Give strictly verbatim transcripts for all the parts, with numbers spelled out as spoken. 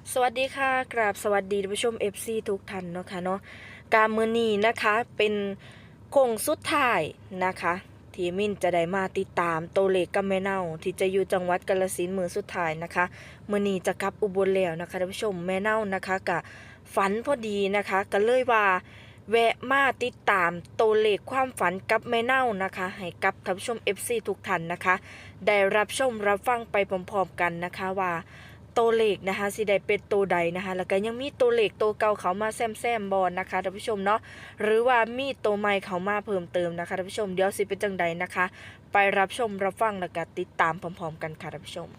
สวัสดีค่ะกราบสวัสดีท่านผู้ชม เอฟ ซี ทุกท่านเนาะค่ะเนาะการมื้อนี้นะคะเป็นโค้งสุดท้ายนะคะที่มินจะได้มาติดตามตัวเลขกับแม่เน่าที่จะอยู่จังหวัดกาฬสินธุ์มื้อสุดท้ายนะคะมื้อนี้จะกลับอุบลแล้วนะคะท่านผู้ชมแม่เน่านะคะกะฝันพอดีนะคะก็เลยว่าแวะมาติดตามตัวเลขความฝันกับแม่เน่านะคะให้กับท่านผู้ชม เอฟ ซี ทุกท่านนะคะได้รับชมรับฟังไปพร้อมๆกันนะคะว่าตัวเลขนะคะสิได้เป็นตัวใดนะคะแล้วก็ยังมีตัวเลขตัวเก่าเขามาแซมๆบอลนะคะท่านผู้ชมเนาะหรือว่ามีตัวใหม่เขามาเพิ่มเติมนะคะท่านผู้ชมเดี๋ยวสิเป็นจังใดนะคะไปรับชมรับฟังแล้วก็ติดตามพร้อมๆกันค่ะท่านผู้ชม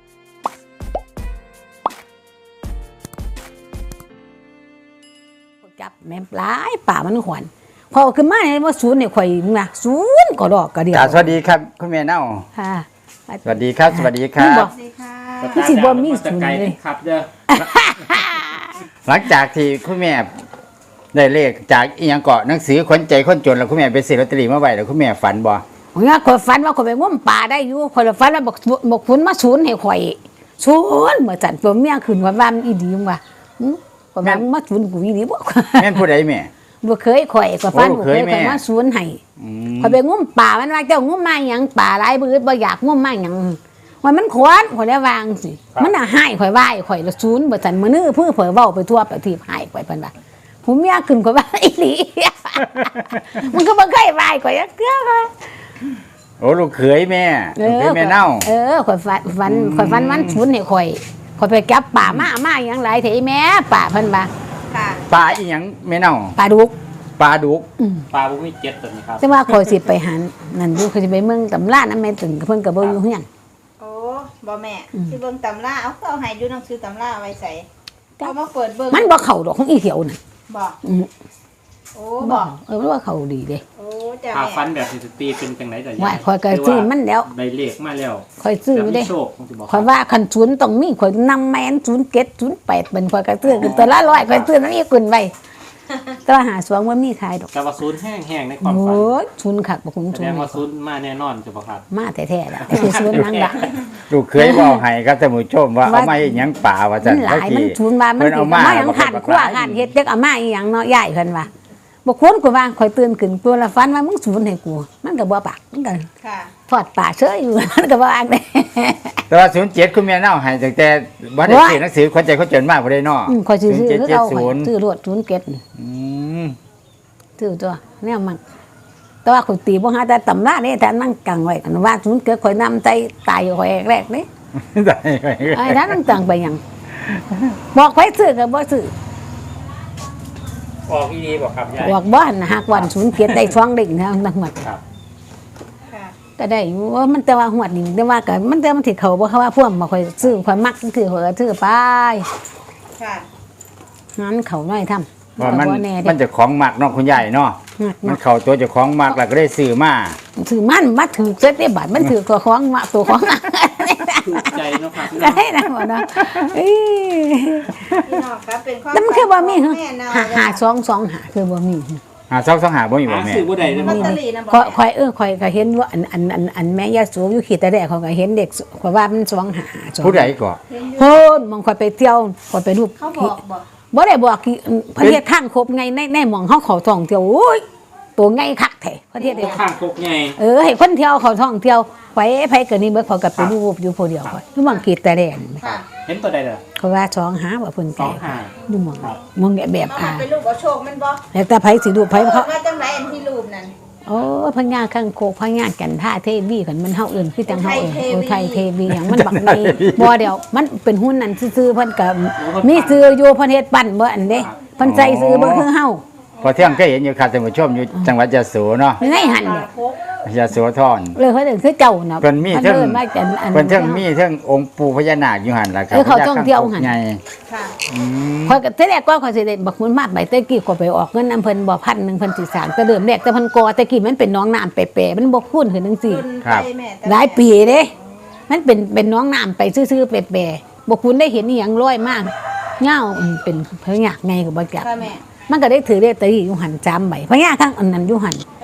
จับแม่ปลายป่ามันหวนพอขึ้นมาเนี่ยว่าศูนย์เนี่ยข่อยมึงนะศูนย์ก็ดอกก็เดียวสวัสดีครับคุณแม่เน่าค่ะสวัสดีครับสวัสดีครับมึงอกพี่สิบ่มีศูนย์เลยครับเด้อหลังจากที่คุณแม่ได้เลขจากอีหยังเกาะหนังสือคนใจคนจนแล้วคุณแม่ไปซื้อลอตเตอรี่มาไว้แล้วคุณแม่ฝันบ่ผมว่าข่อยฝันว่าข่อยไปงมป่าได้อยู่ข่อยฝันว่าบอกบอกฝนมาศูนย์ให้ข่อยศูนย์เมื่อจันผมเมียขึ้นว่าบ้านอีดีมึงว่าหึข่อยว่ามึงมาศูนย์กูอีดีบ่แม่นผู้ใดแม่บ่เคยข่อยข่อยฝันโอ้บ่เคเคยยแม่ข่อยมาศูนย์ให้อืมข่อยไปงมป่ามันว่าเจ้างมมาหยังป่าหลายบื้อบ่อยากงมมาหยังว่ามันขวานข่อยแล้ววางสิมันน่ะให้ข่อยไหว้ข่อยละศูนย์บ่จันมื้อนี้เพิ่นเผยเว้าไปทั่วประเทศให้ข่อยเพิ่นว่าผมเมียขึ้นข่อยว่าอีหลี มันก็บ่เคยไหว้ข่อยจักเทื่อเลยโอ้ลูกเขยแม่ลูกเขยแม่เน่าเออข่อยฝันฝันข่อยฝันวันศูนย์ให้ข่อยข่อยไปจับป่ามามาหยังหลายเถอีแม่ป่าเพิ่นว่าค่ะปลาอีหยังแม่เน่าป่าดุกปลาดุกอืมปลาบุ้มีเจ็ดตัวนี้ครับแต่ว่าข่อยสิไปหันนั่นอยู่ข่อยสิไปเมืองตำราน้ำแม่ตึงเพิ่นก็บ่อยู่เฮือนโอ้บ่แม่ที่เบิ่งตำราเอาเอาให้อยู่หนังสือตำราไว้ใส่เอามาเปิดเบิ่งมันบ่เข้าดอกของอีเขียวน่ะบ่อืมโอ้บ่บ่เออมันว่าเข้าดีเด้โอ้จ้าปลาแม่ฟันแบบสตีเป็นจังไหนแต่ว่าข่อยก็ซื้อมันแล้วได้เลขมาแล้วข่อยซื้ออยู่เด้แล้วมีโชคคงสิบอกข่อยว่าคันศูนย์ต้องมีข่อยนำแม่นศูนย์เจ็ด ศูนย์แปดเป็นข่อยก็ซื้อคือตัวละร้อยข่อยซื้อนั้นอีกขึ้นไว้แต่ว่าหาสวงบ่มีขายดอกแต่ว่าศูนย์แห้งๆในความโอ้ฝันยศูนย์คักบ่คุ้มแสศูนดงย์ว่าศูนย์มาแน่นอนจะบอกครับมาแท้ๆล่ะคือศูนย์นังละลูกเขยบอกให้ครับท่านผู้ชมว่าเอามาอีหยังป่าว่าจัมัน นหลายมันศูนย์ว่ามันเพิ่นสิเอามามาหยังขันขั้วขันเฮ็ดจักเอามาอีหยังเนาะยายเพิ่นว่าบ่ควรกูว่าข่อยตื่นขึ้นตัวละฟันว่ามึงศูนย์ให้กูมันก็บ่ปากมันก็ค่ะทอดปากเฉยอยู่ มันก็บ่อ่านได้แต่ว่าศูนย์เจ็ดคุณแม่เน่าให้ตั้งแต่วันได้ซื้อหนังสือคนใจคนจนมากบ่ได้เนาะอืมข่อยสิซื้อเจ็ดคือเจ็ดเอาศูข่อยนย์ซื้อรวดศูนย์เจ็ดอืมซื้อตัวแนวมันแต่ว่าข่อยตีบ่หาแต่ตำราเด้แต่นั่งกังไว้กันว่าศูนย์เจ็ดข่อยนำใจตายอยู่ข่อยแรกๆเด้ได้ไปไอ้ท่านนั่งตังไปหยังบอกไปซื้อก็บ่ซื้อออกอีดีบอกครับยายบอกบ้านนะฮักวันศูนย์เกียรติได้ช่องเด็กนะทั้งหมดครับค่ะก็ได้อยู่ว่ามันแต่ว่าหวดนี่แต่ว่าก็มันแต่มันสิเขาบ่เขาว่าพวกมาค่อยซื้อค่อยมักคือข่อยก็ซื้อไปค่ะงั้นเขาน้อยทำว่ามันบ่แน่เด้มันจะของหมักเนาะคุณยายเนาะมักมัมาน กเข้าตัวเจะของหมักแล้วก็ได้ซื้อมาถือมันมาถือเจ็ดได้บาทมันถือตัวของมาตัวของถูกใจเนาะครับก็ได้นะบ่เนาะเอ้ยพี่น้องครับเป็นความแล้วมันคือบ่มีขเหรอองแม่เนาหาหาสองสองหาคือบ่มีหาซอกซองหาบ่มีบ่หาแม่ซื้อบ่ได้เลยลอมั้ตงเตอรี่นะบ่ข่อยแม่ข่อยเออข่อยก็เห็นว่าอันอันอันอันแม่ยาสูบอยู่ขีดแต่แรกเขาก็เห็นเด็กข่อยว่ามันสองหาสองผู้ใดก็เห็นอยู่โพนมองข่อยไปเที่ยวข่อยไปรูปเขาบอกบ่บ่ได้บอกกี่ประเทศข้างครบไงในในหม่องเฮาเขาท่องเที่ยวโอ้ยตัวไงคักแท้ประเทศเดียวข้างคกใหญ่เออให้คนเที่ยวเขาท่องเที่ยวไปไผก็นี่เบิดเขาก็ไปรูปอยู่ผู้เดียวก่อนอยู่หม่องกีดแต่แดนค่ะเห็นตัวใดเด้อเขาว่าสองหาว่าเพิ่นสไก่องห้าอยู่หม่องหม่องแบบเอาอ่ามาเป็นรูปเอาโชคมันบ่แล้วแต่ไผสิรูปไผเขาว่าจังไรอันที่รูปนั่นโอ้พญาข้างโคกพญากันท่าเทวีกันมันเฮาเอิ้นคือจังเฮาเอิ้นโอ้ไทยเทวีหยังมันบักมีบ่เดียวมันเป็นหุ้นนั่นซื่อๆเพิ่นก็มีซื้ออยู่เพิ่นเฮ็ดปั้นบ่อันเด้เพิ่นใส่ซื้อบ่คือเฮาพอเที่ยงก็เห็นอยู่ครับท่านผู้ชมอยู่จังหวัดยะโสเนาะในหันเด้พกยะโสธรเลยเขาเอิ้นคือเจ้าน่ะเพิ่นมีเทิงอิ้นว่าจันอันเพิ่นเทิงมีเทิงองค์ปู่พญานาคอยู่หั่นล่ะครับเออเขาท่องเที่ยวหั่นใหญ่ค่ะอืมข่อยก็แต่แรกก็ข่อยสิได้บักมุนมาใบตะกี้ก็ไปออกเงินนำเพิ่นบ่พันหนึงเพิ่นสิสร้างแต่เดิมแรกแต่เพิ่นก่อแต่กี้มันเป็นหน้องน้ำแปะๆมันบ่คุ้นขึ้นจังซี่ขึ้นไปแม่แต่หลายปีเด้มันเป็นเป็นหน้องน้ำไปซื่อๆแปะๆบ่คุ้นได้เห็นอีหยังลอยมากเงาอืมเป็นพญาไงก็บ่จักค่ะแม่มันก็ได้ถือได้ตะกี้อยู่หันจามใบพญาข้างอันนั้นอยู่หันพ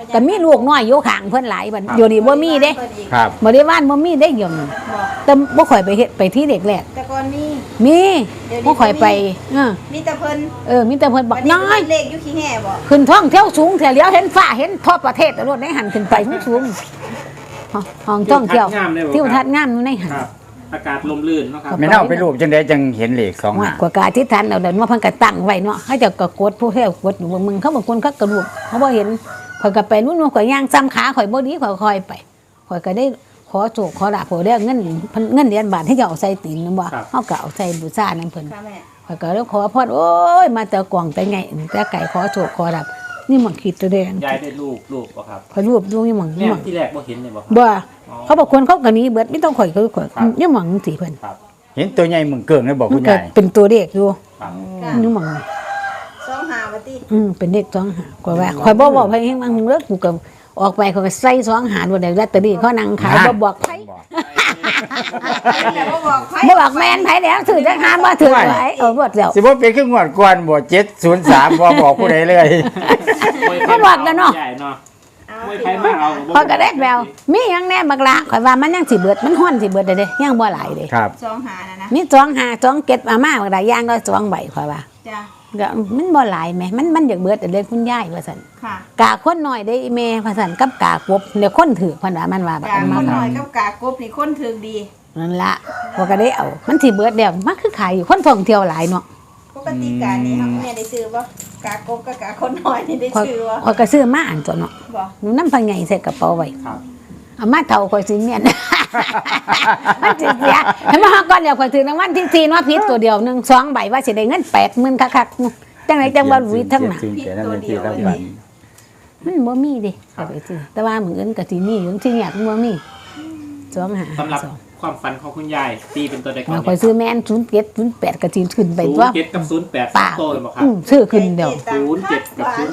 ก็มีลูกน้อยอยู่ข้างเพิ่นหลายบัดเดี๋ยวนี้บ่มีเด้ครับบริวารบ่มีได้เดี๋ยวนี้บอกแต่บ่ค่อยไปเฮ็ดไปที่เด็กแรกแต่ก่อนมีมีเดี๋ยวนี้บ่ค่อยไปเออมีแต่เพิ่นเออมีแต่เพิ่นบอกวันนี้น้อยเพิ่นเลขอยู่ขี้แห่บ่ขึ้นท้องเที่ยวสูงเที่ยวเลี้ยวเห็นฟ้าเห็นทั่วประเทศรถได้หันขึ้นไปสูงๆห้องท่องเที่ยวทิวทัศน์งามเลยบ่ครับทิวทัศน์งามอยู่ในหันครับ อากาศลมลื่นเนาะครับแม่เน่าไปรูปจังไดจังเห็นเลขสองว่าหากว่ากาที่ทันเอาเดินว่าเพิ่นก็ตั้งไว้เนาะเขาเจะก็กดผู้เที่ยวกดอยู่มึงเขาบางคนเขากระดูกเขาบ่เห็นข่อยก็ไปนู่นข่อยย่างซ้ำขาข่อยบ่ดีข่อยคอยไปข่อยก็ได้ขอโจกขอลาบข่อยได้เงินเงินเหรียญบาทที่จะเอาใส่ตีนนั่นบ่เฮาก็เอาใส่บูชานั่นเพิ่นค่ะแม่ข่อยก็เลยขอพรโอ้ยมาแต่กวางแต่ไงแต่ไก่ขอโชคขอรับนี่หมันคิดตัวเด่นยายได้รูปรูปบ่ครับข่อยรูปดูนี่หมันแม่นี่หมันที่แรกบ่เห็นเลยบ่ครับบ่อ๋อเขาบอกคนเขาก็หนี้เบิดไม่ต้องข่อยคือข่อยครับนี่หมันสิเพิ่นครับเห็นตัวใหญ่มึงเกิ่งเลยบอกมัคุนณก็ยายเป็นตัวเลขอยู่ครับค่ะนี่หมันสองหาว่าติอืมเป็นเลขสองหากว่าว่าข่อยบ่บอกให้บางเลิกกูก็ออกไปข่อยก็ใส่สองหาบ่ได้ลอตเตอรี่เขานั่งขายบ่บอกไผแต่บ่บอกไผบ่บอกแม่นไผแล้วถือจังหาบ่ถือไว้เออบ่แล้วสิบ่เป็นคืองวดก่อนบ่เจ็ดศูนย์สามบ่บอกผู้ใดเลยเขาบอกกันเนาะใหญ่เนาะเอามวยพี่ไทยน้องมาเอาข่อยก็ได้แววมีหยังแน่บักละข่อยว่ามันยังสิเบิดมันฮ้อนสิเบิดเด้เด้ยังบ่หลายเด้ครับสองหานะนะมีสองหาสองเก็ดอามาบักหลายอย่างก็สองใบข่อยว่าจ้ะก็มันบ่หลายแหมมันมันอยากเบิดแต่เลยคุณยายว่าซั่นค่ะกาคนน้อยได้อีแม่ว่าซั่นกับกากบเดี๋ยวคนถือเพิ่นว่ามันว่าแบบกานั้นคมานน้อยกับกากบนี่คนถึงดีนั่นละพอก็ได้เอา มันสิเบิดแล้วมันคือขายอยู่คนท่องเที่ยวหลายเนาะปกติการนี้ครับแม่ได้ซื้อบ่กากบกับกาคนน้อยนี่ได้ข่อยซื้อบ่ข่อยก็ซื้อมาอันตัวเนาะบ่หนูนำพังใหญ่ใส่กระเป๋าไว้ครับเอามาเท่าข่อยสิเมียน มันสิเสียให้มาฮอดก่อนเดี๋ยวข่อยถือรางวัลที่สี่เนาะผิดตัวเดียวหนึ่งสองใบว่าสิได้เงินแปดหมื่นคักๆจังไดจังบ่รู้ทั้งนั้นศูนย์เจ็ดนั่นเป็นที่รางวัลมันบ่มีเด้ก็ไปซื้อแต่ว่ามื้ออื่นก็สิมีอยู่ที่เนี่ยบ่มีสองหาสำหรับสองความฝันของคุณยายตีเป็นตัวใดก่อนเราคอยซื้อแม่นศูนย์เจ็ดศูนย์แปดกระจีนขึ้นไปศูนตัวย์เจ็ดกับศูนย์แปดป่าโตเลยบ่ครับอืมซื้อขึ้นเดียวศูนย์เจ็ดกับศูนย์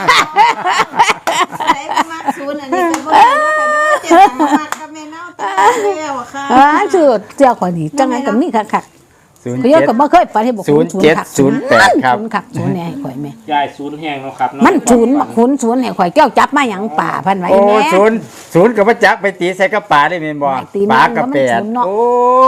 ใช้ประมาณศูนย์อันนี้ก็บ่ได้นะคะเด้อเจ็ดตังค์มากครับแม่เนาะตัวแล้วอะค่ะอ่าซื้อเจ้าขอยนี่จังไงก็มีคักคักศูนย์เขาเยเจ็อะดก็บ่เคยไปให้บอกศูนย์เจ็ดศูนย์แปดครับศูนย์คักศูนย์เนี่ยให้ข่อยแม่ยายศูนย์แห้งเนาะครับมันศูนย์บักคุณศูนย์ให้ข่อยแก้วจับมาหยังป่าพันไว้โอ้แม่ศูนย์ศูนย์กับพระจักรไปตีใส่กระป๋าได้แม่นบ่ไม่ตีปลากระแปดมันศูนย์เนาะโอ้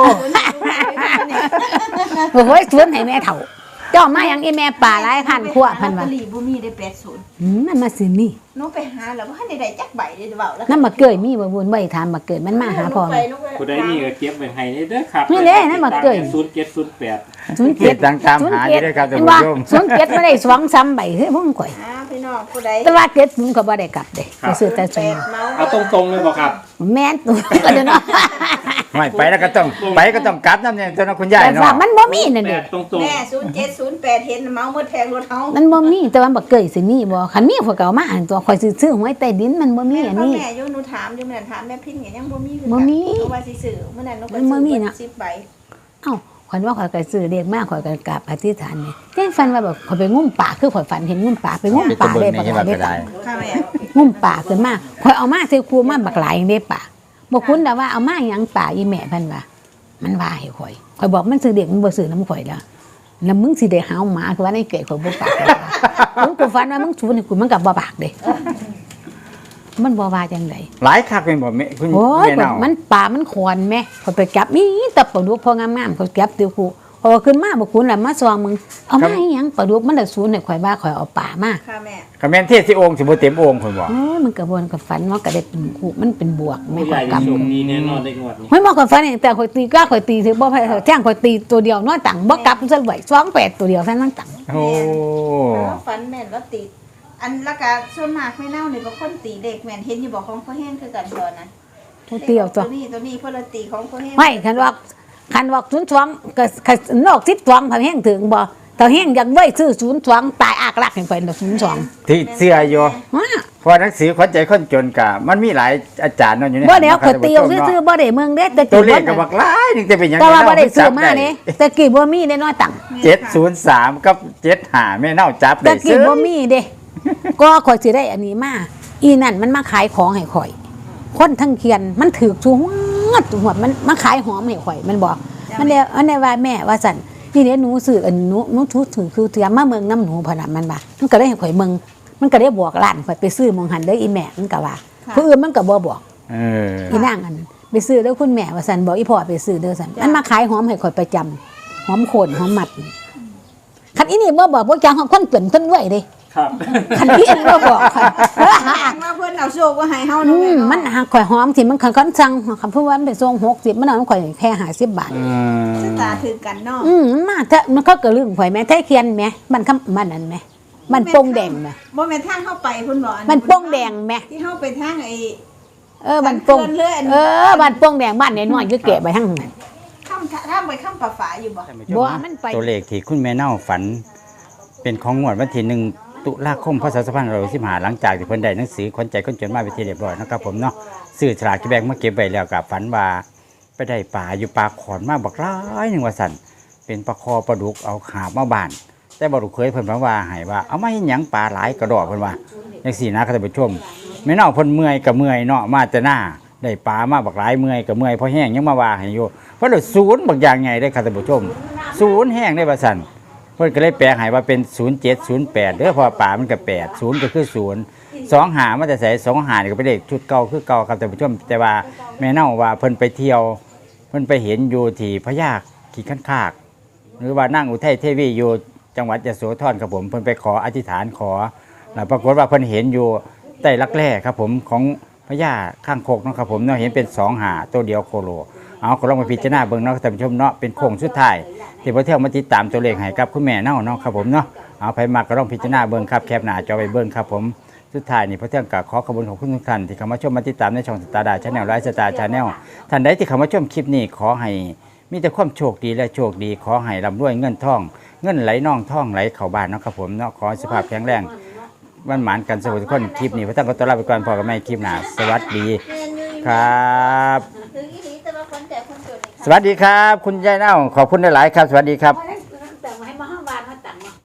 โอ้ยศูนย์ให้แม่เฒ่าเจ้ามาหยังอีแม่ป่าหลายคันคั่วพันว่าลอตเตอรี่บ่มีได้แปดศูนย์อืมมันมาสินี่หนูไปหาแล้วบ่ทันได้ได้จักใบเลยเว้าแล้วนำมาเกยมีบ่บุญบ่ได้ถามมาเกิดมันมาหาพ่อไปแม่ลูกไปผู้ใดมีก็เก็บไว้ให้เด้อครับนี่เด้นั่นมาเกยศูนย์เจ็ดศูนย์แปดศูนย์เจ็ดดังตามหาอยู่ด้วยครับท่านผู้ชมศูนย์เจ็ดไม่ได้สองซ้ำใบเฮ้ยพวกข่อยอ่าพี่น้องผู้ใดแต่ว่าเจ็ดศูนย์ก็บ่ได้กลับเด้ไปซื้อแต่แปศูนดย์เมาเอาตรงๆเลยบ่ครับแม่นตัวก็เดี๋ยวเนาะไม่ไปแล้วก็ต้องไปก็ต้องกลับน้ำเนี่ยตัวน้องคุณยายแต่ว่าเนาะมันบ่มีนั่นแปเด้ดตรงแม่ศูนย์เจ็ดศูนย์แปดเห็นเมาหมดแพงรถเฮามันบ่มีแต่ว่าบ่เกยสิมีบ่คันมีพวกเก่ามาอันตัวข่อยสิซื้อหวยใต้ดินมันบ่มีอันนี้แม่อยู่หนูถามอยู่มื้อนั้นถามแม่พินก็ยังบ่มีคือบ่มีเพราะว่าสิซื้อมื้อนั้นหนูก็มันบ่มีน่ะสิบใบเอ้าข่อยว่าข่อยก็ซื้อเลขมากข่อยก็กราบอธิษฐานนี่แจ้งฝันว่าแบบข่อยไปงุ่มป่าคือข่อยฝันเห็นงุ่มป่าไปงุ่มไปตะป่าเบิได้งในบักที่หว่าลายได้ก็ได้ค่ะแม่งุ่มป่าขึ้นมาข่อยเอามาใส่ครูมาบักหลายได้ป่าบ่คุ้นแต่ว่าเอามาหยังป่าอีแม่เพิ่นว่ามันว่าให้ข่อยข่อยบอกมันซื้อเด็กมันบ่ซื้อน้ำข่อยแล้วแล้วมึงสิได้หาวหมาคือว่าในเกยข่อยบ่ปากมึงกูฝันว่ามึงชูนี่กูมันก็บ่ปากเด้มันบ่ว่าจังไดหลายคักเป็นบ่แม่คุณโอ้ยแม่เนามันป่ามันขวนแม่ข่อยไปจับมีแต่ปลาดุกพองามๆข่อยจับติวกูพอขึ้นมาบ่คุ้นแล้วมาซองมึงเอามาอีหยังปลาดุกมันได้ศูนย์ให้ข่อยว่าข่อยเอาป่ามาค่ะแม่คำแม่นเทศที่องค์สิบ่เต็มองค์คนบอกโอ้ยมันกระบวนกับฝันว่าก็ได้เป็นคู่มันเป็นบวกๆแม่ผู้ใหข่ญ่อยที่กำโชคดีแน่นอนได้งวดนี้ไม่บอกกับฝันอย่างแต่ข่อยตีกล้าข่อยตีถือบ่ไผแจ้งข่อยตีตัวเดียวน้อยตังบ่กลับซะไหวสองแปดตัวเดียวแค่นั้นตังโอ้แล้วฝันแม่นว่าติด อันละกะส่วนมากแม่เน่านี่บ่คนตีเด็กแม่นเห็นอยู่บ่ของพ่อแห้งคือกันบ่นะตัวเดียวตัวตัวนี้ตัวนี้เพิ่นละตีของพ่อแห้งไม่คันว่าคันว่าศูนย์สองก็ก็นอกสิบสองพันแห้งถึงบ่ถ้าแห้งอยากไว้ซื้อศูนย์สองตายอากลักให้ไปศูนย์สองที่เสื้ออยู่ว้าเพราะหนังสือขวัญใจคนจนกะมันมีหลายอาจารย์เนาะอยู่ในบ่เดี๋ยวครัข่อบ ยตีเอาซื้อๆบ่ได้เมืองเด้แต่ตักี่วเลบ่ขก็บักหลายนึงจะเป็นหยังแต่ว่าแม่บ่เน่ได้ซื้อจับมาเด้แต่กี่บ่มีได้น้อยตังเจ็ดศูนย์สามกับเจ็ดห้าแม่เน่าจับแต่ได้กี่ซื้อบ่มีเด้ ก็ข่อยสิได้อันนี้มาอีนั่นมันมาขายของให้ข่อย คนทั้งเคียนมันถือชูหัวดหัวดมันมาขายหอมให้ข่อยมันบอกมันเดียวอันนี้ว่าแม่ว่าสั่นนี่เดี๋ยวหนูซื้ออันหนูหนูทุถือคือเตรียมมาเมืองน้ำหนูพะนันมันบ่ามันก็ได้ให้ข่อยเมืองมันก็ได้บอกร้านข่อยไปซื้อหมองหันเด้ออีแม่มันก็ว่าค่ะผู้อื่นมันก็บ่บอกเอออีนางอันนั้นไปซื้อเด้อคุณแม่ว่าซั่นบอกอีพ่อไปซื้อเด้อซั่นมันมาขายหอมให้ข่อยประจำหอมโคนหอมหมัดคันอีนี่บ่บอกบ่จังของคนเปิ่นคนรวยเด้ครับคันอีนี่บ่บอกข่อยแสดงว่าเพิ่นเอาโชคว่าให้เฮาอืเนาะแม่มเนาะมันหาข่อยหอมสิมันคันคันสั่งคำพูดว่ามันไปส่งหกสิบมันเอาข่อยแค่ห้าสิบบาทอืชะมตาถือกันเนาะอืมมันมาเถอะมันเขาก็ลืมข่อยแม่แท้เคียนแม่มันคำมันนั่นแม่มันโป่งแดงแม่บ่แม่นทางเข้าไปเพิ่นบอกอัมันโป่งแดงแม่ที่เฮาไปทางไอ้เออมันโป่งมันเลื่อนเออมันโป่งแดงบ้านน้อยๆอยู่เก็บไว้ทั้งนั้นข้ามข้ามไปข้ามป่าฝาอยู่บ่บ่มันไปตัวเลขที่คุณแม่เน่าฝัน เป็นของงวดวันที่หนึ่งตุลาคมพศสองพันห้าร้อยสิบห้าหลังจากที่เพิ่นได้หนังสือคนใจคนจนมาเป็นที่เรียบร้อยนะครับผมเนาะซื้อฉลากที่แบงมาเก็บไว้แล้วกับฝันว่าไปได้ปลาอยู่ปลาขอนมาบักร้ายหนึ่งว่าสั่นเป็นปลาคอปลาดุกเอาขาบมาบาน แต่บ่รู้เคยเพิ่นมาว่าให้ว่าเอามาเฮ็ดหยังปลาหลายกระดอกเพิ่นว่าจังซี่นะครับท่านผู้ชมแม่เน่าเพิ่นเมื่อยก็เมื่อยเนาะมาแต่หน้าได้ปลามาบักหลายเมื่อยก็เมื่อยเพราะแห้งยังมาว่าให้อยู่เพราะเดี๋ยวศูนย์บักอย่างใหญ่ได้อครับท่านผู้ชมศูนย์แห้งได้ว่าซั่นเพิ่นก็เลยแปลให้ว่าเป็นศูนย์เจ็ด ศูนย์แปดเด้อเพราะว่าปลามันก็แปด ศูนย์ก็คือศูนย์ สองหามันจะใส่สองหานี่ก็เป็นเลขชุดเก่าคือเก่าครับท่านผู้ชมแต่ว่าแม่เน่าว่าเพิ่นไปเที่ยวเพิ่นไปเห็นอยู่ที่พญาขี้คันคาก หรือว่านั่งอุทัยเทวีอยู่จังหวัดยโสธรครับผมเพิ่นไปขออธิษฐานขอแล้วปรากฏว่าเพิ่นเห็นอยู่ใต้รักแร่ครับผมของพญาข้างโคกเนาะครับผมเนาะเห็นเป็นสองหาตัวเดียวโคโลเอาก็ลองมาพิจารณาเบิ่งเนาะท่านผู้ชมเนาะเป็นโค้งสุดท้ายที่พระเที่ยวมาติดตามตัวเลขให้กับคุณแม่เน่าเนาะครับผมเนาะเอาไปมาก็ลองพิจารณาเบิ่งครับแคปหน้าจอไปเบิ่งครับผมสุดท้ายนี่พระเที่ยงกับขอขอบคุณของคุณทุกท่านที่เข้ามาชมมาติดตามในช่องสตาร์ดาชาแนลไลฟ์สตาร์ชาแนลท่านใดที่เข้ามาชมคลิปนี้ขอให้มีแต่ความโชคดีและโชคดีขอให้ร่ำรวยเงินทอง เงินไหลน่องท่องไหลเข้าบ้านเนาะครับผมเนาะขอให้สุขภาพแข็งแรงวันหมานกันสวัสดีทุกคนคลิปนี้พระตั้งก็ต้อนรับไปก่อนพอกับแม่คลิปหน้าสวัสดีครับถึงอีหลีแต่ว่าคนแต่คนจนนี่สวัสดีครับ คุณยายเน่าขอบคุณหลายๆครับ สวัสดีครับ